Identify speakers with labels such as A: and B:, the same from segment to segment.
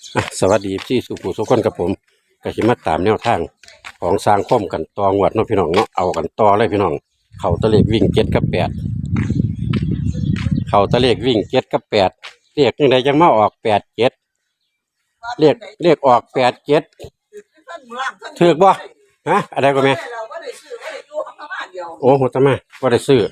A: สวัสดีที่สุขุสุขคนกับผมก็สิมาตามแนวทางของสร้างคมกันต่องวดเนาะพี่น้องเนาะเอากันต่อเลยพี่น้องเขาตะเลขวิ่งเจ็ดกับแปดเขาตะเลขวิ่งเจ็ดกับแปดเรียกยังไงยังมาออกแปดเจ็ดเรียกออกแปดเจ็ดถือบ่ฮะอะไรก็แม่โอ้โหทำไมก็ได้ซื้อ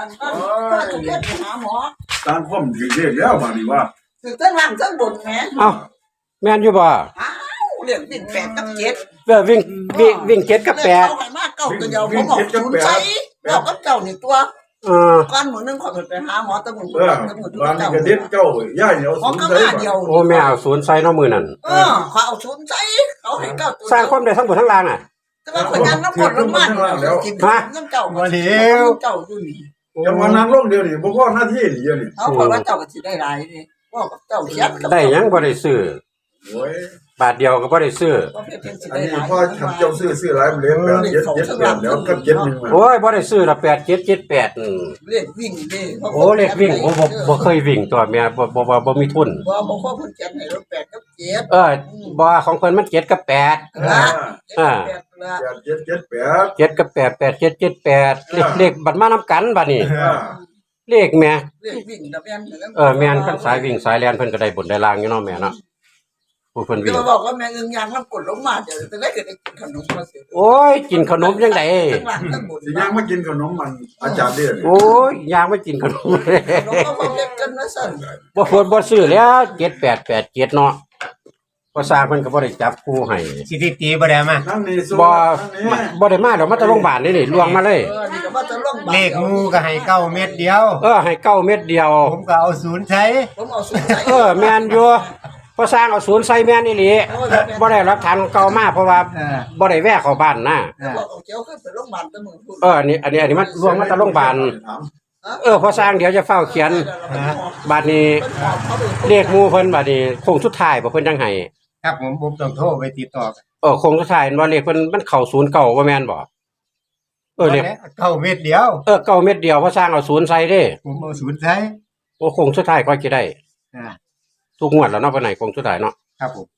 B: ตามข้อมถึงเรียกแล้วบางทีว่า
C: ถึงเส้นล่างเส้นบนแม่
A: เอ้าแม่นอยู่บ่
C: อ้าวเรียกวิ่ง8 กับ 7
A: วิ่งเจ็ดกับแปด
C: เอาให้มากเก่าตัวเดียวผมบอกศูนย์ใช้บอกกับเจ้านี่ตัวก้อนหมูนึงขอไปหาหมอตะหมุน
B: วันนี้ก็เด็ดเจ้าย่าเหนียว
C: ศูนย์ใช้
A: โอ้แม่เอาศูนย์ใส่น้องมือนั่น
C: เขาเอาศูนย์ใช้เขาให้เก่าตัว
A: สร้างความได้ทั้งหมดทั้งรางอ่ะ
C: แต่ว่าคนยังน้ำกดลงมาแล้วกินน้ำเจ้าเจ้าอยู่นี่
B: จังหวะนั้นลงเดียวนี่บ่พอหน้าที่นี่เดียวนี่
C: เขาบอกว่าเจ้าก็สิได้หลายนี่บอกกับเจ้าเสีย
A: ได้ยังบ่ได้ซื้อ
B: โอ้ย
A: บาทเดียวก็บ่ได้ซื้อ
B: อันนี้พ่อทำเจ้าซื้อหลายมันเลี้ยงแบบ7แล้วกับ7นึง
A: โอ้ยบ่ได้ซื้อละ8778
C: เรียกวิ่งดิ
A: โอ้เลขวิ่งโอ้บ่เคยวิ่งตัวแม่บ่มีทุน
C: บ่ขอเพิ่นเขียนให้เรา8 กับ 7
A: บ่ของเพิ่นมัน7กับ87กับ8 8778เลขบัดมานำกันบัดนี้เลขแม่
C: เลขวิ่งตะแม่น
A: แม่นคันสายวิ่งสายแล่นเพิ่นก็ได้บนได้ล่างอยู่เนาะแม่เนาะผู้เพิ่นวิ่ง
C: บอกว่าแม่อึงยางน้ำกดลงมาเดี๋ยวจะได้เกิดกินขนมมาสิ
A: โอ้ยกินขนมจังได๋
B: สิย่างมากินขนมมันอาจารย์เด้อ
A: โอ้ยย่างมากินขนม
C: ขนมก็เล็กกันนะสั่น
A: บ่ควรบ่ซื้อแล้ว7887เนาะก็สร้างเพิ่นก็บ่ได้จับคู่ให้
D: สิตีบ่ได้มา
A: บ่ได้มาดอกมาแต่โรงพยาบาลนี่ล่วงมาเลย
C: นี่ก็ว่าจะล่วง
D: เลขงูก็ให้9เม็ดเดียว
A: ให้9เม็ดเดียว
D: ผมก็เอา0ใช้
C: ผมเอา0ใช้
A: แม่นอยู่พอสร้างเอา0ใส่แม่นอีหลีบ่ได้หลักฐานเก่ามาเพราะว่าบ่ได้แวะเข้าบ้านนะ
C: บอกเอาเจ้าขึ้นไปโรงพยาบาลตะมึงพูด
A: อันนี้มันล่วงมาแต่โรงพยาบาลพอสร้างเดี๋ยวจะเฝ้าเขียนบัดนี้เรียกหมู่เพิ่นบัดนี้คงสุดท้ายบ่เพิ่นจังให้
D: ครับผมต้องโทรไปติดต่อ
A: คงสุดท้ายว่าเลขเพิ่นมันเข้า09บ่แม่นบ่
D: เรียก9เม็ดเดียว
A: 9เม็ดเดียวพอสร้างเอา0ใส่เด้
D: ผมเอา0ใช้
A: โอ้คงสุดท้ายก็สิได้ทุกงวดแล้วเนาะปานไหนคงสุดท้ายเนาะ
D: ครับผม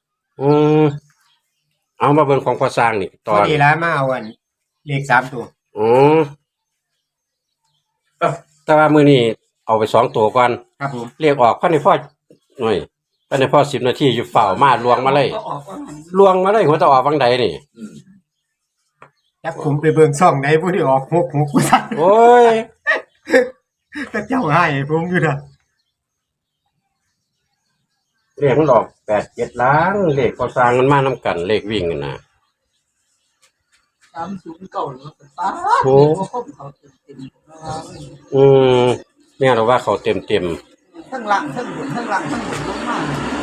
A: เอามาเบิ่งของพอสร้างนี่
D: ตอนนี้แล้วมาเอาอันเลข3ตัว
A: แต่ว่ามื้อนี้เอาไป2ตัวก่อน
D: ครับผม
A: เรียกออกภายในพอหน่อยภายในพอ10นาทีอยู่เฝ้ามาลวงมาเลยหัวตะออกวังใดนี่
D: จักผมไปเบิ่งช่องไหนผู้ที่ออก66กูซั่น
A: โอ้ย
D: ก็เจ้าให้ผมอยู่น่ะ
A: เลขมันออก87ล้านเลขพอสร้างมันมานำกันเลขวิ่งนั่นน่ะ
C: 30เก่าแล้วป้า
A: โอ้แม่เราว่าเขาเต็ม
C: ทั้งล่างทั้งบนทั้งล่างทั้งบนลงมา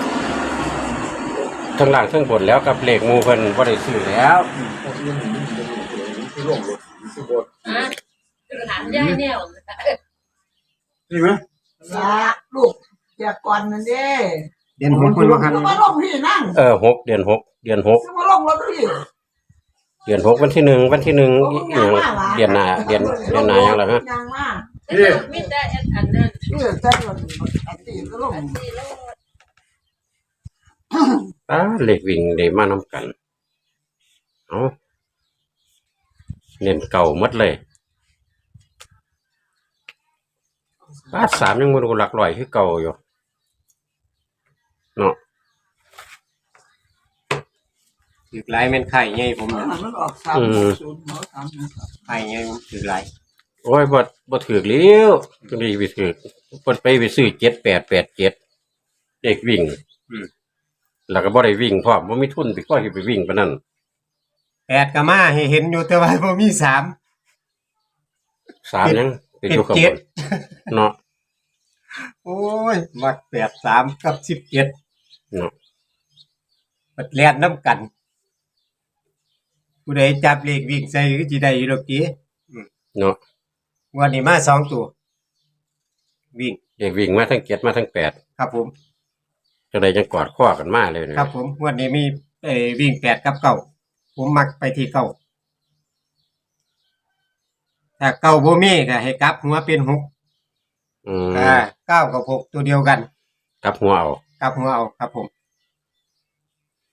A: ทั้งล่างทั้งบนแล้วกับเลขหมู่เพิ่นบ่ได้ซื้อแล้ว
C: ถามยายแนว
B: นี่มั้ย
C: ลูกแจกก่อนนั่นเด้
D: เดือน6เพิ่นว่าคั่น
C: มาลงพี่นั่ง
A: 6เดือน6
C: มาลงรถพี่
A: เดือน6วันที่1อีหยังเดือนหน้าหยังล่ะฮะ
C: นี่มีแต่อันนั้นแต่อันนี้ก็ลง
A: เลขวิ่งได้มานำกันเอาเน้นเก่าหมดเลย3ยังบ่รู้หลักร้อยคือเก่าอยู่เนาะ
D: ถือหลายแม่นไข่ใหญ่ผม
C: มันออก360ไ
D: ข่ใหญ่ผมถือหลาย
A: โอ้ยบ่ถือแล้วจังได๋สิถือเพิ่นไปซื้อ7887เลขวิ่งแล้วก็บ่ได้วิ่งพร้อมบ่มีทุนสิก็สิไปวิ่งปานนั้น
D: 8ก็มาให้เห็นอยู่แต่ว่าบ่มี
A: 3ยังเป็นอยู่ข้างบนเนาะ
D: โอ้ยมัก83กับ17เ
A: นาะ
D: บัดแล่นนำกันผู้ใดจับเลขวิ่งใส่ก็สิได้อยู่ดอกติ
A: เนาะ
D: วันนี้มา2ตัววิ่ง
A: เลขวิ่งมาทั้ง7มาทั้ง8
D: ครับผม
A: จังได๋จังกอดข้อกันมาเลย
D: ครับผมวันนี้มีวิ่ง8กับ9ผมมักไปที่9ถ้า9บ่มีก็ให้กลับหัวเป็น6 9กับ6ตัวเดียวกัน
A: กลับหัวเอา
D: ครับผม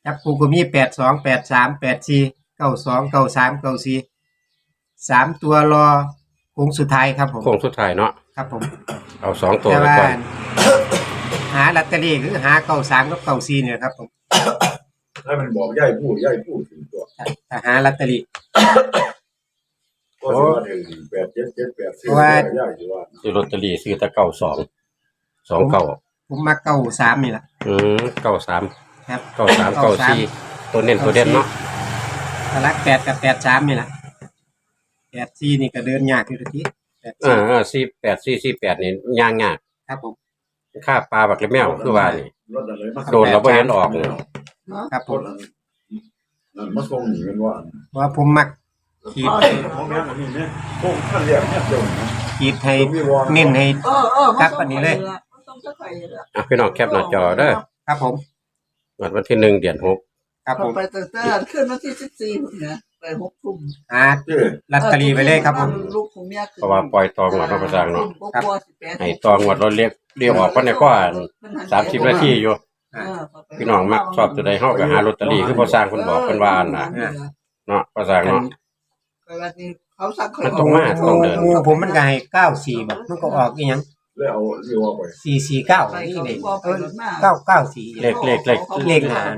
D: จับคู่ก็มี82 83 84 92 93 94 3ตัวรอโค้งสุดท้ายครับผม
A: โค้งสุดท้ายเนาะ
D: ครับผม
A: เอาสองตัว
D: แต่
A: ไป
D: ว่า
A: ก่อน
D: หาลอตเตอรี่คือหา93กับ94เนี่ยครับผม
B: ให้มันบอกย่ายพูดถึงตัว
D: ถ้าหาลอตเตอรี่
B: ก็สิว่าถึง8778ซื้อย่ายสิว่า
A: ซื้อลอตเตอรี่ซื้อแต่เก้าสองสองเก้า
D: ผมมา93นี่ล่ะ
A: เก้าสาม
D: ครับ
A: เก้าสามเก้าสี่ตัวเน้นตัวเด่นเนาะ
D: ตลัก8กับ83นี่ล่ะ84นี่ก็เดินยากอยู่ที84
A: 48นี่ย่างยาก
D: ครับผม
A: ค่าปลาบักเล็บแมวคือว่านี่
B: รถอะไรมา
A: โดนเราบ่เห็นออกเลย
D: ครับผ
B: ร
D: ม
B: ถนั่นมาส่งนี่มันว่า
D: เพราะว่าผมมักขีด
B: ของแม่อันนี้เนี่ยพวกท่านเรียกเนี่ยเจ้าเนี่ย
D: ขีดให้เน้นให้ ครับอันนี้เลย
A: อ่ะพี่น้องแคปหน้าจอเด้อ
D: ครับผม
A: วันที่1เดือน6
D: ครับผม
C: ไปตั้งแต่ขึ้นวันที่14เนี่ยไป6 ทุ่ม
D: หาลอตเตอรี่ไปเลยครับผม
C: ลูกของเมีย
A: เพราะว่าปล่อยตองหมดเราประสร้างเนาะ
D: ครับ
A: ให้ตองหมดเราเรียกออกก็ในก็30นาทีอยู่พี่น้องมักชอบตัวใดเฮาก็หาลอตเตอรี่คือพอสร้างเพิ่นบอกเพิ่นว่าน่ะเนาะพอสร้างเนาะ
C: เขาสั่ง
A: มันต้องมาต้องเดิน
D: งูผมมันก็ให้94แบบมันก็ออกอีหยัง
B: แล้วเอาเรียกว่าไป
D: 449นี่เลย994
A: เลขหน้า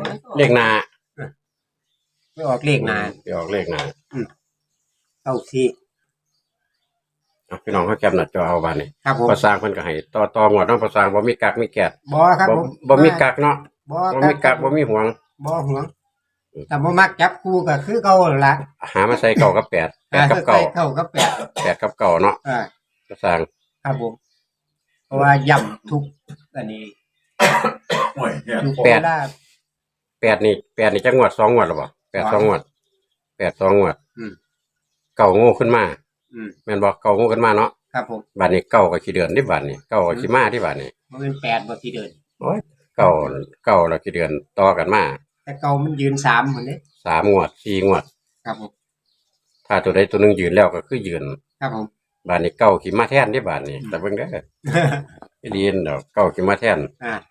D: ไม่ออกเลขหนา
A: ไปออกเลขหน้า
D: 94
A: อ่ะพี่น้องเฮาแคปหน้าจอเอาบัดนี้
D: ครับผม
A: พอสร้างเพิ่นก็ให้ต่อหมดเนาะพอสร้างบ่มีกักมีแกะ
D: บ่ครับผม
A: บ่มีกักเนาะ
D: บ่
A: บ่มีกักบ่มีห่วง
D: บ่ห่วงแต่บ่มักจับคู่ก็คือเก่าล่ะ
A: หามาใส่เก้ากับ8 8กับ
D: ใส่เข้ากับ8
A: 8กับเก้าเนาะ
D: อ่า
A: พอสร้าง
D: ครับผมเพราะว่าย่ำทุกอันนี้
B: โอ้ยเนี่ย
D: ทุก
A: แปด
D: เวลา
A: 8นี่จักงวด2งวดหรอบ่8 2งวด8 2งวด
D: อืม
A: เก้าโง่ขึ้นมา
D: อืม
A: แม่นบ่เก้าโง่ขึ้นมาเนาะ
D: ครับผม
A: บัดนี้เก้าก็ขี้เดือนที่บัดนี้เก้าก็ขี้มาที่บัดนี้
D: มันเป็น8บ่ที่เดิน
A: โอ้ยเก้าแล้วขี้เดือนต่อกันมา
D: แต่เก่ามันยืน3เหมือนนี้
A: 3งวด4งวด
D: ครับผม
A: ถ้าตัวใดตัวหนึงยืนแล้วก็คือยืน
D: ครับผม
A: บัดนี้เก้าขี้มาแทนที่บัดนี้แต่เบิ่งเด้อไปเรียนดอกเก้าขี้มาแทน
D: อ่า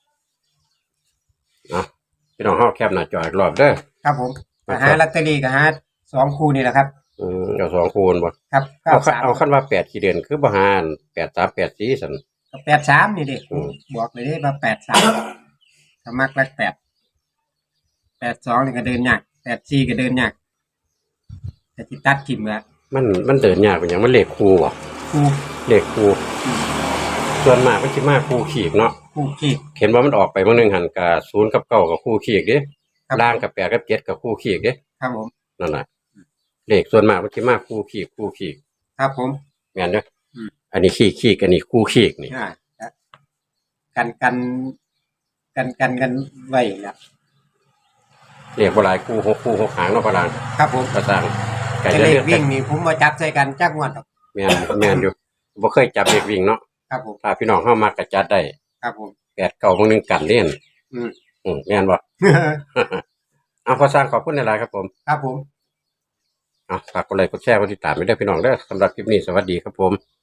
A: เนาะพี่น้องเฮาแคปหน้าจออีกรอบเด้อ
D: ครับผมก็หาลอตเตอรี่ก็หา2คู่นี่แหละครับ
A: เอาสองคูณบ่
D: ครับ
A: เอาคันว่า8ขี้เดือนคือบ่หาร8 3 8 4ซั่น
D: 83นี่ดิ
A: อืม
D: บอกเลยเด้ว่า83ถ้ามักรัก8 82นี่ก็เดินยาก84ก็เดินยากแต่ที่ตัดทิ่มก็
A: มันเดินยากเป็นหยังมันเลขคู่บ่
D: คู่
A: เลขคู่ส่วนมากมันสิมาคู่ขีกเนาะ
D: คู่ขี้
A: เห็นว่ามันออกไปมื้อนึงหั่นก็0กับ9ก็คู่ขีกเด้
D: ครับ
A: ล่างกับ8กับ7ก็คู่ขีกเด้
D: ครับผม
A: นั่นน่ะเลขส่วนมากมันสิมาคู่ขีก
D: ครับผม
A: แม่นเด้อ
D: อืม
A: อันนี้ขีกอันนี้คู่ขีกนี่
D: อ่ากันไว้แล้ว
A: เลขบ่หลายคู่6หางเนาะพะลาง
D: ครับผม
A: ก็สร้างก็
D: แต่
A: จะ
D: เล
A: เลื
D: ข
A: อก
D: วิ่งนี่ผมมาจับใส่กันจักงวดหรอก
A: แม่นอยู่บ่เคยจับเลขวิ่งเนาะ
D: ครับผม
A: ถ้าพี่น้องเฮามักก็จัดได้
D: ครับผม
A: 8 9มื้อนึงกันเล่น
D: อืม
A: แม่นบ่ เอาขอสร้างขอบคุณหลายๆครับผม
D: ครับผม
A: ฝากกดไลค์กดแชร์กดติดตามไปด้วยพี่น้องเด้อสำหรับคลิปนี้สวัสดีครับผม